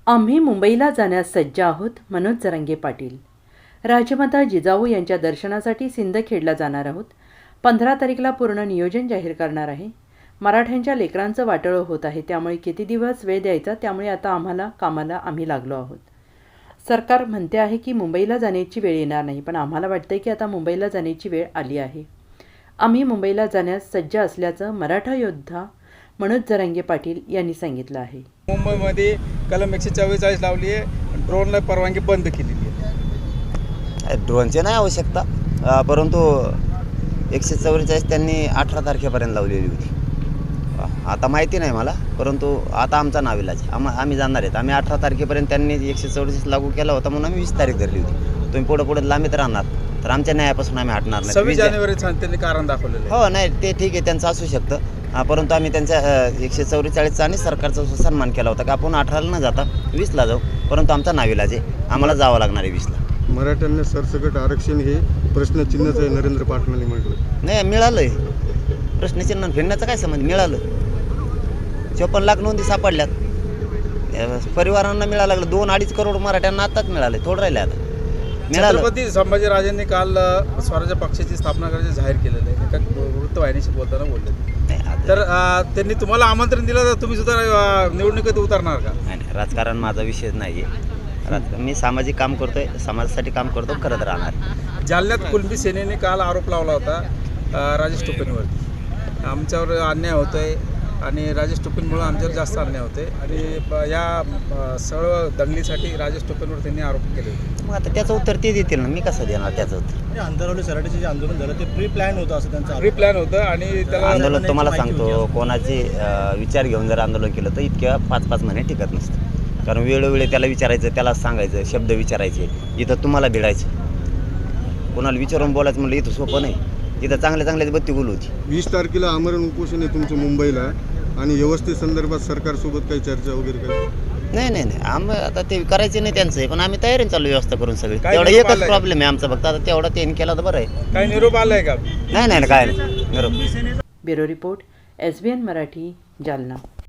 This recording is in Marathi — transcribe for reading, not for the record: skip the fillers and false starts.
आम्ही मुंबईला जाण्यास सज्ज आहोत. मनोज जरांगे पाटील. राजमाता जिजाऊ यांच्या दर्शनासाठी सिंदखेडला जाणार आहोत. 15 तारीखला पूर्ण नियोजन जाहीर करणार आहे. मराठ्यांच्या लेकरांचं वाटोळं होत आहे, त्यामुळे किती दिवस वेळ द्यायचा, त्यामुळे आता कामाला आम्ही लागलो आहोत. सरकार म्हणते आहे की मुंबईला जाण्याची वेळ येणार नाही, पण आम्हाला वाटतंय की आता मुंबईला जाण्याची वेळ आली आहे. आम्ही मुंबईला जाण्यास सज्ज असल्याचं मराठा योद्धा मनोज जरांगे पाटील यांनी सांगितलं आहे. मुंबईमध्ये कलम 144 लावली आहे, ड्रोनला परवानगी बंद केलेली आहे. ड्रोनची नाही आवश्यकता, परंतु 144 त्यांनी 18 तारखेपर्यंत लावलेली होती. आता माहिती नाही मला, परंतु आता आमचा नाविलाज आम्ही जाणार आहेत. आम्ही 18 तारखेपर्यंत त्यांनी 144 लागू केला होता म्हणून आम्ही 20 तारीख धरली होती. तुम्ही पुढे लांबीत राहणार तर आमच्या न्यायापासून आम्ही हटणार नाही. 26 जानेवारी त्यांनी कारण दाखवलेलं हो, नाही ते ठीक आहे, त्यांचं असू शकतं, परंतु आम्ही त्यांच्या 144चा आणि सरकारचा सन्मान केला होता की आपण 18ला न जाता 20ला जाऊ, परंतु आमचा नाविलाज आहे, आम्हाला जावं लागणार आहे 20ला. मराठ्यांना सरसकट आरक्षण हे प्रश्नचिन्हच आहे, नरेंद्र पाटलांनी म्हटलं. नाही, मिळालं आहे. प्रश्नचिन्ह फिरण्याचं काय संबंध? मिळालं. 54 लाख नोंदी सापडल्यात, परिवारांना मिळायला लागलं. 2-2.5 करोड मराठ्यांना आताच मिळाले, थोडं राहिले आता मिळालं. छत्रपती संभाजीराजांनी काल स्वराज्य पक्षाची स्थापना करायचे जाहीर केलेलं आहे. एका वृत्तवाहिनीशी बोलताना बोलले, तर त्यांनी तुम्हाला आमंत्रण दिलं तर तुम्ही सुद्धा निवडणुकीत उतरणार का? नाही, राजकारण माझा विषय नाही आहे. मी सामाजिक काम करतोय, समाजासाठी काम करतो, करत राहणार. जालन्यात कुणबी सेनेने काल आरोप लावला होता राजेश टोपेंवरती, आमच्यावर अन्याय होतोय आणि राजेश टोपेंमुळे आमच्यावर जास्त अन्याय होते आणि या सर्व दंगलीसाठी राजेश टोपेंवर त्यांनी आरोप केले होते. मग आता त्याचं उत्तर ते देतील ना, मी कसं देणार त्याचं उत्तर? आंतरराष्ट्रीय सराटीचे जे आंदोलन झालं ते प्री प्लॅन होतं असं त्यांचं प्री प्लॅन होतं आणि त्याला आंदोलन तुम्हाला सांगतो, कोणाचे विचार घेऊन जर आंदोलन केलं तर इतक्या 5-5 महिने टिकत नसतं. कारण वेळोवेळी त्याला विचारायचं, त्याला सांगायचं, शब्द विचारायचे. इथं तुम्हाला भिडायचं, कोणाला विचारून बोलायचं म्हणलं इथं सोपं नाही. इथं चांगल्या बत्ती गुल होती. 20 तारखेला आमरण उपोषण आहे तुमचं मुंबईला, आणि व्यवस्थे संदर्भात सरकारसोबत काही चर्चा वगैरे काही? नाही, आम्ही आता ते करायचे नाही त्यांचं, पण आम्ही तयारीने चालू व्यवस्था करून सगळी. काय तेवढा निरोप एकच आलाय? प्रॉब्लेम आहे आमचा, फक्त आता तेवढा त्यांनी केला तर बरं आहे. काय निरोप आलाय का? नाही, काय नाही. निरोप. Bureau report, SBN Marathi, Jalna.